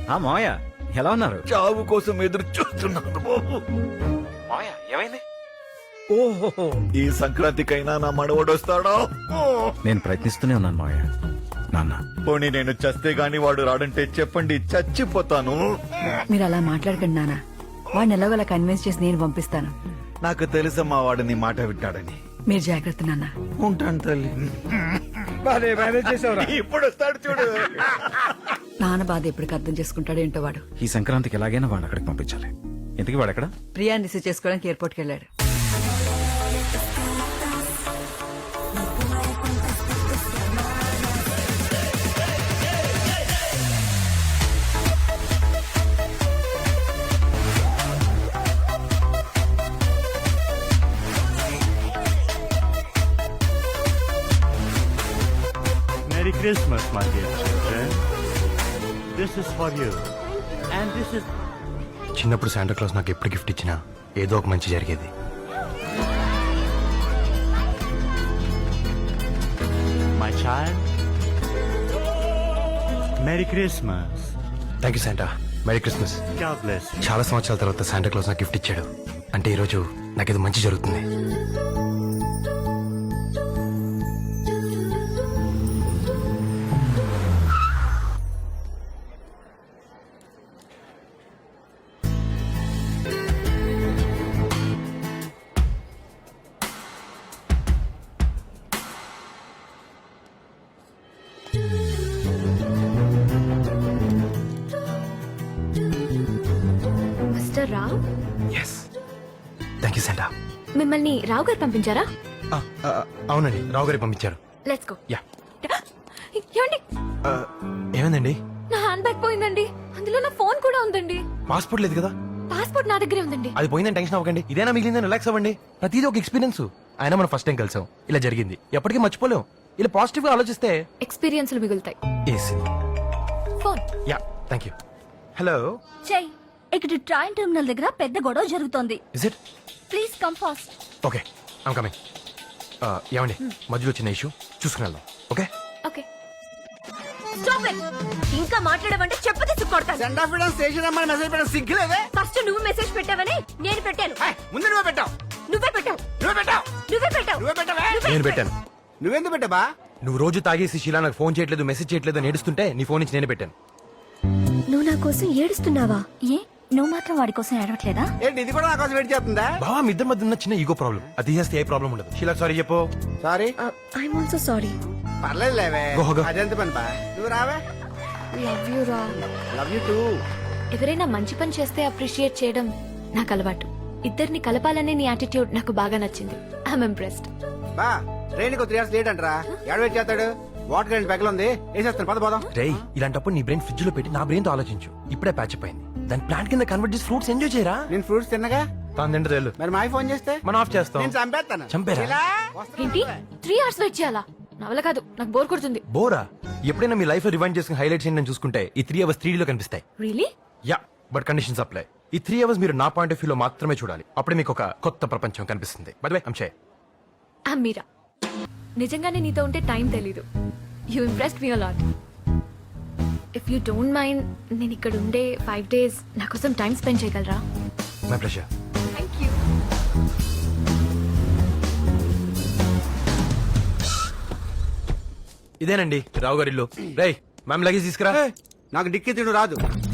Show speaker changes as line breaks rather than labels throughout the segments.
మావయ్య ఎలా ఉన్నారు?
చావు కోసం ఎదురు చూస్తున్నాను బాబు.
మావయ్య ఏమైంది?
ఓహో, ఈ సంక్రాంతికైనా నా మనవడు వస్తాడా?
నేను ప్రయత్నిస్తూనే ఉన్నాను మావయ్య. నాన్న
పోనీ నేను చస్తే గాని వాడు రాడంటే చెప్పండి, చచ్చిపోతాను.
మీరు అలా మాట్లాడకండి నాన్న. వాడిని ఎలాగోలా కన్విన్స్ చేసి నేను పంపిస్తాను.
నాకు తెలుసమ్మా వాడిని మాట వింటాడని.
మీరు జాగ్రత్త నాన్న.
ఉంటాను తల్లి. ఇప్పుడు వస్తాడు చూడు.
నాన్న బాధ ఎప్పటికి అర్థం చేసుకుంటాడో ఏంటో వాడు.
ఈ సంక్రాంతికి ఎలాగైనా వాడు అక్కడికి పంపించాలి. ఇంతకీ వాడు ఎక్కడ?
ప్రియాని రిసీవ్ చేసుకోవడానికి ఎయిర్పోర్ట్కి వెళ్ళాడు.
Merry Christmas, my dear children. This is for you. And this is...
చిన్నప్పుడు శాంటా క్లాస్ నాకు ఎప్పుడు గిఫ్ట్ ఇచ్చినా ఏదో ఒక మంచి జరిగేది.
My child. Merry Christmas.
Thank you Santa. Merry Christmas.
God bless you.
చాలా సంవత్సరాల తర్వాత శాంటా క్లాస్ నాకు గిఫ్ట్ ఇచ్చాడు. అంటే ఈరోజు నాకేదో మంచి జరుగుతుంది.
Mister Rao,
yes, thank you Santa.
మిమ్మల్ని రావు గారు పంపించారా?
అవునండి, రావు గారికి పంపించారు.
Let's go.
యా.
ఏమండి,
ఏమైందండి?
నా హ్యాండ్ బ్యాగ్ పోయిందండి. అందులో నా ఫోన్ కూడా ఉందండి.
పాస్పోర్ట్ లేదు కదా?
పాస్పోర్ట్ నా దగ్గరే ఉందండి.
అది పోయిందని టెన్షన్ అవ్వకండి. ఇదేనా మిగిలిందని రిలాక్స్ అవ్వండి. ప్రతిదీ ఒక ఎక్స్పీరియన్స్. అయినా మనం ఫస్ట్ టైం కలిసాం, ఇలా జరిగింది, ఎప్పటికీ మర్చిపోలేం. ఇలా పాజిటివ్ గా ఆలోచిస్తే
ఎక్స్పీరియన్స్లు మిగులుతాయి. Phone.
Yeah, thank you. Hello.
చెయ్, ఇక్కడ ట్రైన్ టెర్మినల్ దగ్గర పెద్ద గొడవ జరుగుతోంది.
Is it?
Please come fast.
Okay, I'm coming. ఏమండి, మధ్యలో చిన్న ఇష్యూ, చూసుకుని వెళ్దాం. Okay
okay.
Stop it. ఇంకా మాట్లాడమంటే చెప్పు తీసి కొడతాను.
సెండ్ ఆఫ్ ఇవ్వడం, స్టేషన్ రమ్మని మెసేజ్ పెట్టడం సిగ్గులేదే?
ఫస్ట్ నువ్వు మెసేజ్ పెట్టావని నేను పెట్టాను.
ముందు నువ్వే పెట్టావు.
నువ్వే పెట్టావు.
నువ్వే పెట్టావు.
నువ్వే పెట్టావు.
నువ్వే పెట్టావే.
నేను పెట్టాను.
నువ్వెందుకు పెట్టావా?
నువ్వు రోజు తాగేసి శీలా నాకు ఫోన్ చేయట్లేదు, మెసేజ్ చేయట్లేదు అని ఏడుస్తుంటే నీ ఫోన్ నుంచి నేనే పెట్టాను.
నువ్వు నా కోసం ఏడుస్తున్నావా?
ఏ, నువ్వు మాత్రం వాడి కోసం ఏడవట్లేదా?
ఏంటి ఇది కూడా నా కోసం వెయిట్ చేస్తుందా?
బావా, మీ ఇద్దరి మధ్య ఉన్న చిన్న ఈగో ప్రాబ్లం, అది తీసేస్తే ఏ ప్రాబ్లం ఉండదు. శీలా సారీ చెప్పు.
సారీ.
I'm also sorry.
పర్లేదు లేవే.
Go, go.
అదెంత పని బా. నువ్వు రావే.
లవ్ యూ రా.
Love you too.
ఎవరైనా మంచి పని చేస్తే అప్రిషియేట్ చేయడం నాకు అలవాటు. ఇద్దరిని కలపాలనే నీ యాటిట్యూడ్ నాకు బాగా నచ్చింది. I'm impressed.
బా, ట్రైన్ కు 3 hours లేట్ అంటరా. ఎక్కడ వెయిట్ చేస్తాడు? వాటర్ కరెంట్ పెగలు ఉంది, వేసేస్తాను. పద పోదాం.
రేయ్, ఇలాంటప్పుడు నీ బ్రెయిన్ ఫ్రిడ్జ్ లో పెట్టి నా బ్రెయిన్ తో ఆలోచించు. ఇప్పుడే ప్యాచ్ అయింది, దాని ప్లాంట్ కింద కన్వర్ట్ చేసి ఫ్రూట్స్ ఎంజాయ్ చేయరా.
నేను ఫ్రూట్స్ తిన్నగా.
తాను తింటే తెలు,
మరి మా ఫోన్ చేస్తే
మనం ఆఫ్ చేస్తాం.
నేను చంపేస్తాను.
చంపేరా?
ఇలా?
ఏంటి 3 hours వెయిట్ చేయాలా? నా వల్ల కాదు, నాకు బోర్ కొడుతుంది.
బోరా? ఎప్పుడైనా మీ లైఫ్ లో రివైండ్ చేసుకుని హైలైట్స్ ఏంటని చూసుకుంటే ఈ 3 hours 3D లో కనిపిస్తాయి.
Really?
Yeah, but conditions apply. ఈ 3 hours మీరు నా పాయింట్ ఆఫ్ వ్యూ లో మాత్రమే చూడాలి. అప్పుడే మీకు ఒక కొత్త ప్రపంచం కనిపిస్తుంది. By the way, I'm shy.
I'm Meera. నిజంగానే నీతో ఉంటే టైం తెలీదు. You impressed me a lot. If you don't mind, నేను ఇక్కడ ఉండే 5 days నా కోసం టైం స్పెండ్ చేయగలరా?
My pleasure.
Thank you.
ఇదేనండి రావు గారి ఇల్లు. రేయ్, మ్యామ్ లగేజ్ తీసుకురా.
నాకు డిక్కి తిడు రాదు.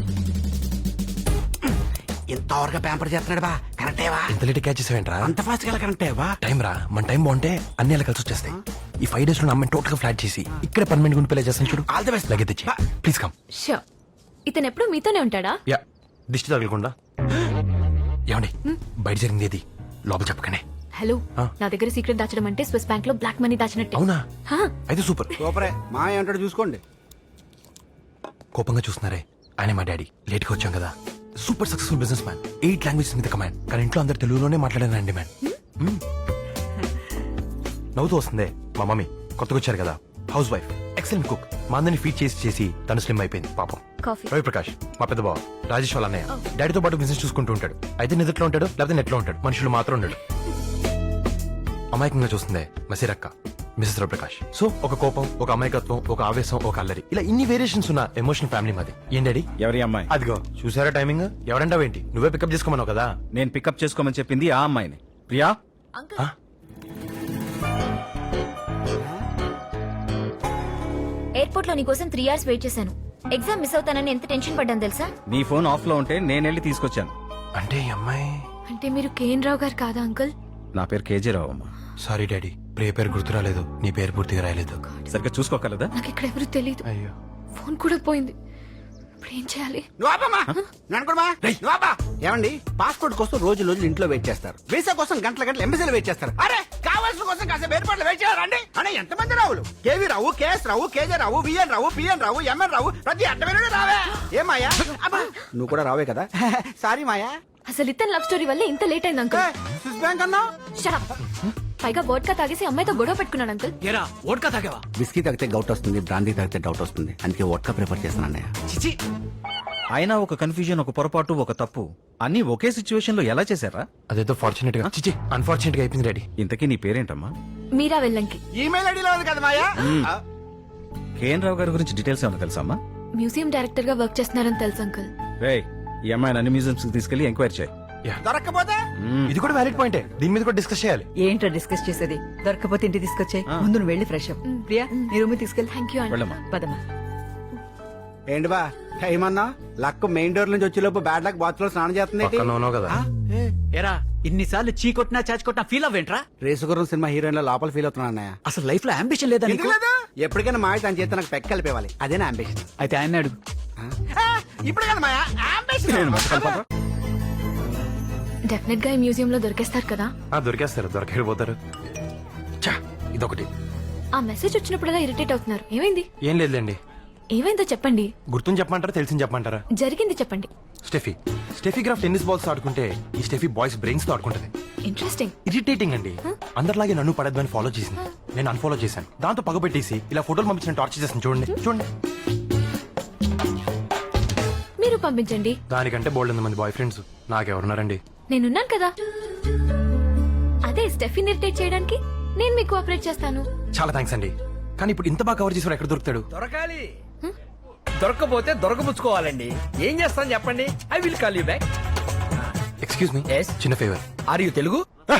ఇంతవరకు పేపర్ చేస్తున్నాడు బా. కరెక్టేవా?
ఇంత లేట్ క్యాచ్ చేసావేంట్రా?
అంత ఫాస్ట్ గా కరెక్టేవా?
టైం రా, మన టైం బాగుంటే అన్ని అలా కలిసి వచ్చేస్తాయి. ఈ 5 days లో నా అమ్మాయిని టోటల్ గా ఫ్లాట్ చేసి ఇక్కడే పర్మనెంట్ గుండి పెళ్లి చేస్తాను చూడు.
All the best.
లగేజ్ తెచ్చి ప్లీజ్ కమ్.
షూర్. ఇతను ఎప్పుడు మీతోనే ఉంటాడా?
యా, దిష్టి తగలకుండా. ఏమండి, బయట జరిగింది ఏది లోపల చెప్పకనే.
హలో,
ఆ?
నా దగ్గర సీక్రెట్ దాచడం అంటే స్విస్ బ్యాంక్ లో బ్లాక్ మనీ దాచినట్టే.
అవునా?
హా.
అయితే సూపర్.
సూపరే. మా ఏమంటాడు చూసుకోండి.
కోపంగా చూస్తున్నారే, ఆయన మా డాడీ. లేట్ గా వచ్చాం కదా. Super successful businessman, 8 languages మీద కమాండ్. కానీ ఇంట్లో అందరు తెలుగులోనే మాట్లాడానండి మ్యాన్. నవ్వుతూ వస్తుందే మా మమ్మీ, కొత్తగా వచ్చారు కదా, హౌస్ వైఫ్, ఎక్సలెంట్ కుక్. మా అందరిని ఫీడ్ చేసి తను స్లిమ్ అయిపోయింది పాపం.
కాఫీ.
రవి ప్రకాష్ మా పెద్ద బావ, రాజేష్ వాళ్ళ అన్నయ్య. డాడీతో పాటు బిజినెస్ చూసుకుంటూ ఉంటాడు. అయితే నిద్రలో ఉంటాడు, లేకపోతే నెట్లో ఉంటాడు. మనుషులు మాత్రం ఉండడు. అమాయకంగా చూస్తుందే మసీరక్క, మిస్టర్ రవిప్రకాష్. సో ఒక కోపం, ఒక అమాయకత్వం, ఒక ఆవేశం, ఒక అల్లరి, ఇలా ఇన్ని వేరియేషన్స్ ఉన్న ఎమోషనల్ ఫ్యామిలీ మాది. ఏం డాడీ?
ఎవరి అమ్మాయి?
అదిగో చూసారా టైమింగ్. ఎవరంటావేంటి? నువ్వే పికప్ చేసుకోమన్నావు కదా.
నేను పికప్ చేసుకోమని చెప్పింది ఆ అమ్మాయిని. ప్రియా,
ఆ?
ఎయిర్పోర్ట్ లో నీకోసం 3 hours వెయిట్ చేశాను. ఎగ్జామ్ మిస్ అవుతానని ఎంత టెన్షన్ పడ్డాను తెలుసా?
నీ ఫోన్ ఆఫ్ లో ఉంటే నేను వెళ్ళి తీసుకొచ్చాను.
అంటే ఈ అమ్మాయి.
అంటే మీరు కేఎన్ రావు గారు కాదా అంకుల్?
నా పేరు కేజీ రావు అమ్మా.
సారీ డాడీ, ప్రియ పేరు గుర్తు రాలేదు, నీ పేరు పూర్తిగా రాయలేదు.
సరిగ్గా చూసుకోగలదా?
నాకు ఇక్కడ ఎవరు తెలియదు.
అయ్యో.
ఫోన్ కూడా పోయింది. ఇప్పుడు ఏం చేయాలి?
నువ్వు ఆపమ్మా. నన్ను అనుకోమా. నువ్వు ఆపా. ఏమండి, పాస్పోర్ట్ కోసం రోజు ఇంట్లో వెయిట్ చేస్తారు. వీసా కోసం గంటల ఎంబసీలో వెయిట్ చేస్తారు. అరే కావాల్సిన కోసం కాసేపు ఏర్పాట్లు వెయిట్ చేయాలండి. అనే ఎంతమంది రావులు? KV Rao, KS Rao, KJ Rao, VN Rao, PN Rao, MN Rao, ప్రతి అడ్డమైన రావే. ఏ మాయా? అబ్బా, నువ్వు కూడా రావే కదా. సారీ మాయా.
అసలు ఇతను లవ్ స్టోరీ వల్ల ఇంత లేట్ అయింది అంకుల్.
స్విస్ బ్యాంక్ అన్నా.
Shut up. పైగా వోడ్కా తాగేసి అమ్మాయితో గొడవ పెట్టుకున్నాడు అంకుల్.
బిస్కీ తాగితే గౌట్ వస్తుంది, బ్రాందీ తాగితే డౌట్ వస్తుంది. అందుకే వోడ్కా ప్రిఫర్ చేస్తాను అన్నయ్య.
అయినా ఒక కన్ఫ్యూజన్, ఒక పొరపాటు, ఒక తప్పు అన్ని ఒకే సిచ్యువేషన్ లో ఎలా చేశారా?
అదేదో ఫార్చునేట్ గా, చిచి అన్ఫార్చునేట్ గా అయిపోయింది డాడీ.
ఇంతకీ నీ పేరేంటమ్మా?
మీరా వెళ్ళంకి.
ఈమెయిల్ ఐడిలో ఉంది కదా మాయా.
కేఎన్ రావు గారి గురించి డీటెయిల్స్ ఏమైనా తెలుసా అమ్మా?
మ్యూజియం డైరెక్టర్ గా వర్క్ చేస్తున్నారని తెలుసు అంకుల్.
రేయ్, ఈ అమ్మాయిని అన్ని మ్యూజియంస్ కి తీసుకెళ్లి ఎంక్వైరీ చేయి.
దొరక్కపోతే
ఇది కూడా వ్యాలిడ్ పాయింటే, దీని మీద కూడా డిస్కస్ చేయాలి.
ఏంటో డిస్కస్ చేసేది? దొరకపోతే ఇంటికి తీసుకొచ్చాయి. ముందు నువ్వు వెళ్ళి ఫ్రెష్ అప్. ప్రియా, నీ రూమ్ తీసుకెళ్ళి.
థ్యాంక్ యూ అండి.
వెళ్ళమ్మా.
పదమ్మా.
ఏంటి బా టైం అన్నా? లక్ మెయిన్ డోర్ నుంచి వచ్చేలోపు బ్యాడ్ లక్ బాత్ లో స్నానం చేస్తుంది.
పక్కన ఉన్నావు కదా.
ఎరా ఇన్నిసార్లు చీ కొట్టినా చాచి కొట్టినా ఫీల్ అవ్వేంట్రా?
రేసుగుర్రం సినిమా హీరోయిన్ లో లోపల ఫీల్ అవుతున్నా అన్నయ్య.
అసలు లైఫ్ లో అంబిషన్ లేదా నీకు?
ఎందుకు లేదు? ఎప్పటికైనా మాయ తన చేత నాకు పెక్క కలిపేవాలి. అదే నా అంబిషన్.
అయితే ఆయన అడుగు.
ఇప్పుడు కదా మాయా అంబిషన్.
డెఫినెట్ గా ఈ మ్యూజియం లో దొరికేస్తారు కదా.
దొరికేస్తారు, దొరకపోతారు. చా, ఇదొకటి.
ఆ మెసేజ్ వచ్చినప్పుడల్లా ఇరిటేట్ అవుతున్నారు. ఏమైంది?
ఏం లేదులేండి.
ఏమైందో చెప్పండి.
గుర్తుని చెప్పమంటారా, తెలిసింది చెప్పమంటారా?
జరిగింది చెప్పండి.
స్టెఫీ గ్రాఫ్ టెన్నిస్ బాల్స్ ఆడుకుంటే ఈ స్టెఫీ బాయ్స్ బ్రెయిన్స్ తో ఆడుకుంటది.
ఇంట్రెస్టింగ్.
ఇరిటేటింగ్ అండి. అందరిలాగే నన్ను పడద్దని ఫాలో చేసింది. నేను అన్ఫాలో చేశాను. దాంతో పగబెట్టేసి ఇలా ఫోటోలు పంపించిన టార్చర్ చేస్తాను. చూడండి చూడండి.
మీరు పంపించండి.
దానికంటే బోల్డ్ మంది బాయ్ ఫ్రెండ్స్ నాకెవరున్నారండి?
నేనున్నాను కదా. అదే స్టెఫిన్ ఇరిటేట్ చేయడానికి నేను మీకు కోఆపరేట్ చేస్తాను.
చాలా థ్యాంక్స్ అండి. కానీ ఇప్పుడు ఇంత బాగా కవర్ చేసి ఎక్కడ దొరుకుతాడు?
దొరకాలి. దొరకపోతే దొరకబుచ్చుకోవాలండి. ఏం చేస్తాను చెప్పండి. I will call you back.
Excuse me,
Yes?
చిన్న ఫేవర్.
Are you Telugu?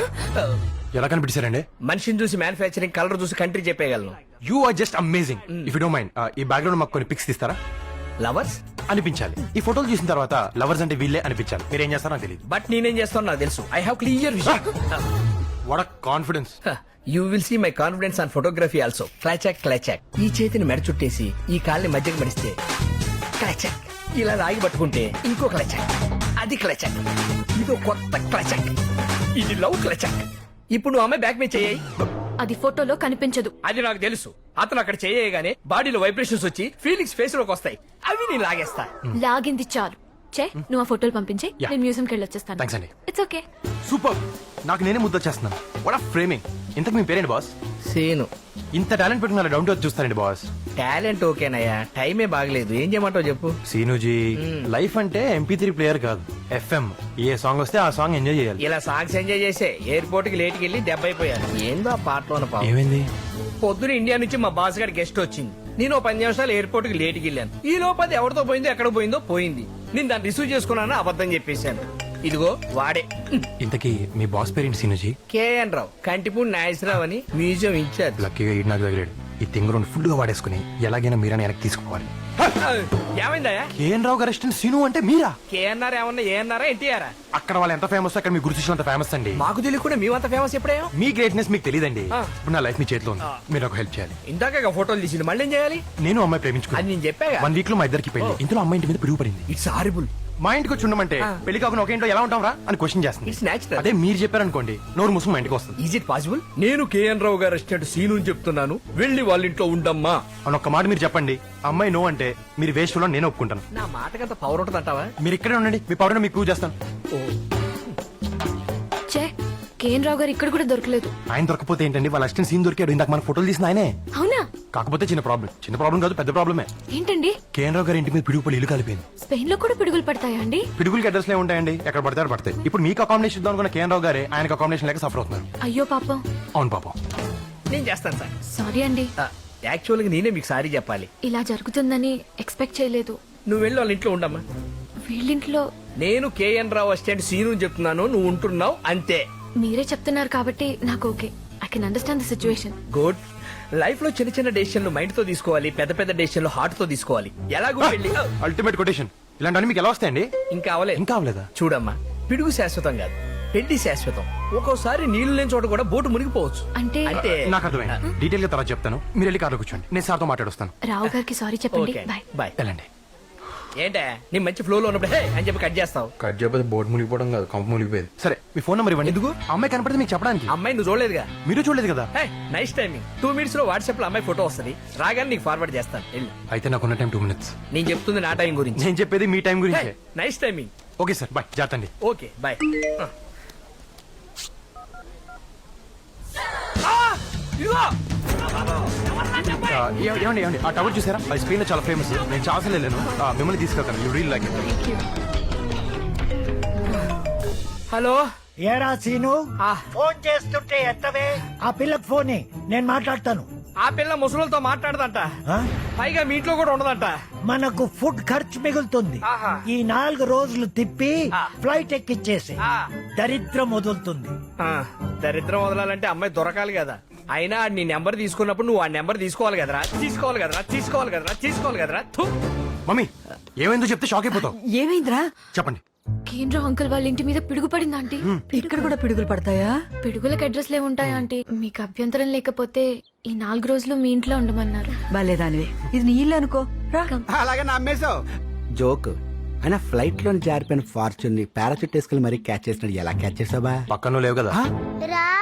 ఎలా కనిపించారండి?
మనిషిని చూసి మ్యానుఫ్యాక్చరింగ్, కలర్ చూసి కంట్రీ చెప్పేయగలను.
You are just amazing. If you don't mind, ఈ బ్యాక్గ్రౌండ్ మాకు కొన్ని పిక్స్ తీస్తారా?
లవర్స్
అనిపించాలి. ఈ ఫోటోలు చూసిన తర్వాత లవర్స్ అంటే వీళ్ళే అనిపించాలి. మీరు ఏం చేస్తారో నాకు తెలియదు.
బట్ నేనేం చేస్తాను నాకు తెలుసు. I have clear vision.
What confidence.
You will see my confidence on photography also. క్లాచాక్ క్లాచాక్. ఈ చేతిని మెడ చుట్టేసి ఈ కాల్ని మధ్యకి మడిస్తే క్లాచాక్. ఇలా రాగి పట్టుకుంటే ఇంకో క్లాచాక్. అది క్లాచాక్. ఇదో కొత్త క్లాచాక్. ఇది లవ్ క్లాచాక్. ఇప్పుడు నువ్వు అమ్మాయి బ్యాక్ మీద చేయి.
అది ఫోటోలో కనిపించదు.
అది నాకు తెలుసు. అతను అక్కడ చేయగానే బాడీలో వైబ్రేషన్స్ వచ్చి ఫీలింగ్స్ ఫేస్ లోకి వస్తాయి. అవి నేను లాగేస్తా.
లాగింది చాలు. చే, నువ్వు ఆ ఫోటోలు పంపించే.
Yeah.
నేను మ్యూజియంకి వెళ్ళి వచ్చేస్తాను.
Thanks అండి.
It's okay.
సూపర్. నాకు నేనే ముద్దొచ్చేస్తున్నాను. What of framing. ఇంతకు మీ పేరేంటి బాస్?
సేను.
ఇంత టాలెంట్ పెట్టుకున్న డౌన్ టు చూస్తానండి బాస్.
టాలెంట్ ఓకేనయ్యా, టైమే బాగలేదు. ఏం చేయమంటావు చెప్పు.
సీనుజీ, లైఫ్ అంటే MP3 ప్లేయర్ కాదు, FM. ఏ సాంగ్ వస్తే ఆ సాంగ్ ఎంజాయ్ చేయాలి.
ఇలా సాంగ్స్ ఎంజాయ్ చేసే ఎయిర్పోర్ట్ కి లేట్కి వెళ్ళి దెబ్బ అయిపోయాను. ఏందో ఆ పాటలో పాపం.
ఏమైంది?
పొద్దున ఇండియా నుంచి మా బాస్ గారి గెస్ట్ వచ్చింది. నేను 10 నిమిషాలు ఎయిర్పోర్ట్ కి లేట్కి వెళ్ళాను. ఈ లోపది ఎవరితో పోయిందో ఎక్కడ పోయిందో పోయింది. నేను దాన్ని రిసీవ్ చేసుకున్నాను, అబద్ధం చెప్పేశాను. ఇదిగో వాడే.
ఇంతకీ మీ బాస్ పేరేంటి సీనుజీ?
కేఎన్ రావు, కంటిపూడి నాగేశ్వరరావు అని మ్యూజియం ఇన్ఛార్జ్.
లక్కీగా ఈడు నాకు తగిలాడు. ఈ తింగరోని ఫుల్ గా వాడేసుకుని ఎలాగైనా మీరని వెనక్కి తీసుకుపోవాలి.
ఏమైందయ్యా?
KN Rao garu restaurant scene అంటే మీరా?
కేఎన్ఆర్ ఏమన్నా ఏఎన్ఆరా ఎన్టీఆర్?
అక్కడ వాళ్ళు ఎంత ఫేమస్ అక్కడ మీ గురు శిష్యులు అంత ఫేమస్ అండి.
మాకు తెలియకుండా మేమంత ఫేమస్ ఎప్పుడేమో.
మీ గ్రేట్నెస్ మీకు తెలియదండి.
ఆ.
ఇప్పుడు నా లైఫ్ మీ చేతిలో ఉంది. మీరు నాకు హెల్ప్ చేయాలి.
ఇందాక ఫోటోలు తీసి మళ్ళీ ఏం చేయాలి?
నేను అమ్మాయి
అది
ప్రేమించుకున్నాను.
నేను చెప్పాగా.
1 వీక్ లో మా ఇద్దరికి పెళ్లి. ఇందులో అమ్మాయి ఇంటి మీద పిడుగు పడింది.
It's horrible.
మా ఇంటికి వచ్చి ఉండమంటే పెళ్లి కాకుండా ఒక ఇంట్లో ఎలా ఉంటాం రా అని క్వశ్చన్ చేస్తుంది.
It's natural.
అదే మీరు చెప్పారనుకోండి, నోరు ముసుగు మా ఇంటికి వస్తుంది.
Is it possible? నేను KN Rao garu restaurant scene అని చెప్తున్నాను, వెళ్ళి వాళ్ళ ఇంట్లో ఉండమ్మా
అని ఒక్క మాట మీరు చెప్పండి. అమ్మాయి నో అంటే మీరు వేస్ట్ లో నేను ఒప్పుకుంటాను.
నా మాటకంత పవర్ ఉంటుంది అంటావా?
మీరు ఇక్కడే ఉండండి, మీ పౌడర్ మీకు ప్రూవ్ చేస్తాను.
చే, కేఎన్ రావు గారు ఇక్కడ కూడా దొరకలేదు.
ఆయన దొరకపోతే ఏంటండి, వాళ్ళ అసిస్టెంట్ సీన్ దొరికాడు. ఇందాక మన ఫోటోలు తీసిన ఆయనే.
అవునా?
కాకపోతే చిన్న ప్రాబ్లం కాదు, పెద్ద ప్రాబ్లమే.
ఏంటండి?
కేఎన్ రావు గారి ఇంటి మీద పిడుగు పడి ఇల్లు కలిపింది.
స్పెయిన్ లో కూడా పిడుగులు పడతాయా అండి?
పిడుగులకి అడ్రస్ లే ఉంటాయండి, ఎక్కడ పడతారు పడతాయి. ఇప్పుడు మీకు అకామిడేషన్ ఇద్దాం అనుకున్న కేఎన్ రావు గారే ఆయనకు అకామిడేషన్ లేక సఫర్ అవుతున్నారు.
అయ్యో పాపం.
అవును పాపం.
నేను చేస్తాను సార్.
సారీ అండి,
యాక్చువల్గా నేనే మీకు సారీ చెప్పాలి.
ఇలా జరుగుతుందని ఎక్స్పెక్ట్ చేయలేదు.
నువ్వు వెళ్ళి వాళ్ళ ఇంట్లో ఉండమ్మా.
వీళ్ళింట్లో
నేను కేఎన్ రావు అసిస్టెంట్ సీను చెప్తున్నాను, నువ్వు ఉంటున్నావు అంతే.
మీరే చెప్తున్నారు కాబట్టి నాకు okay. I can understand the situation.
Good. Life లో చిన్న చిన్న డెసిషన్లు మైండ్ తో తీసుకోవాలి, పెద్ద పెద్ద డెసిషన్లు హార్ట్ తో తీసుకోవాలి. ఎలాగో వెళ్ళి
అల్టిమేట్ కొటేషన్. ఇలాంటి మీకు ఎలా వస్తాయండి?
ఇంకా అవలేదు.
ఇంకా అవలేదా?
చూడమ్మా, పిడుగు శాశ్వతం కాదు, పెళ్లి శాశ్వతం. ఒక్కోసారి నీళ్లు లేని చోట కూడా బోటు మునిగిపోవచ్చు.
అంటే
అంటే
నాకు అర్థమైంది. డీటెయిల్ గా తర్వాత చెప్తాను. మీరు వెళ్ళి కార్లో కూర్చోండి, నేను సార్తో మాట్లాడొస్తాను.
రావు గారికి సారీ చెప్పండి.
Okay
bye.
బాయ్.
వెళ్ళండి.
ఏంటే నీ మంచి ఫ్లో లో ఉన్నప్పుడు హే అని చెప్పి కట్ చేస్తావు.
కట్ చేయకపోతే బోర్డు మునిగిపోవడం కాదు, కంప మునిగిపోయేది. సరే, మీ ఫోన్ నెంబర్ ఇవ్వండి. ఎందుకు? అమ్మాయి కనపడితే మీకు చెప్పడానికి.
అమ్మాయి నువ్వు చూడలేదుగా?
మీరు చూడలేదు కదా?
Hey nice timing. 2 minutes లో వాట్సాప్ లో అమ్మాయి ఫోటో వస్తుంది, రాగానే నీకు ఫార్వర్డ్ చేస్తాను. వెళ్ళు.
అయితే నాకున్న టైం 2 minutes.
నేను చెప్తుంది నా టైం గురించి.
నేను చెప్పేది మీ టైం గురించి.
Nice timing.
Okay sir, bye. జాగ్రత్త అండి.
Okay bye.
ఏమండి ఏమండి, ఆ టవర్ చూసారా? అది స్పెయిన్ లో చాలా ఫేమస్. నేను చాలా సార్లు వెళ్ళాను. మిమ్మల్ని తీసుకెళ్తాను. You real like it.
Hello.
ఏరా సీను,
ఆ.
ఫోన్ చేస్తుంటే ఎత్తవే. ఆ పిల్లకి ఫోన్ నేను మాట్లాడతాను.
ఆ పిల్ల ముసలులతో మాట్లాడదంట,
ఆ?
పైగా మీ ఇంట్లో కూడా ఉండదంట.
మనకు ఫుడ్ ఖర్చు మిగులుతుంది.
ఆహా.
ఈ 4 రోజులు తిప్పి
ఆ.
ఫ్లైట్ ఎక్కిచ్చేసి
ఆ.
దరిద్రం వదులుతుంది.
దరిద్రం వదలాలంటే అమ్మాయి దొరకాలి కదా. అయినా నీ నెంబర్ తీసుకున్నప్పుడు నువ్వు ఆ నెంబర్ తీసుకోవాలి కదరా. తీసుకోవాలి కదరా. థు.
మమ్మీ, ఏమైందో చెప్తే షాక్ అయిపోతావు.
ఏమైందిరా?
చెప్పండి.
కేంద్ర అంకుల్ వాళ్ళ ఇంటి మీద పిడుగు పడింది ఆంటీ.
ఇక్కడ కూడా పిడుగులు పడతాయా?
పిడుగులకు అడ్రస్లే ఉంటాయా ఆంటీ? మీకు అభ్యంతరం లేకపోతే ఈ 4 రోజులు మీ ఇంట్లో ఉండమన్నారు.
బాలేదానివే, ఇది నీ ఇల్లు అనుకో. రా.
అలాగే నమ్మేశావు. జోక్. అయినా ఫ్లైట్ లో జారిపోయిన ఫార్చ్యూన్ ని పారాచూట్ వేసుకెళ్ళి మరీ క్యాచ్ చేసినాడు. ఎలా క్యాచ్ చేసావా?
పక్కన లేవు కదా?
రా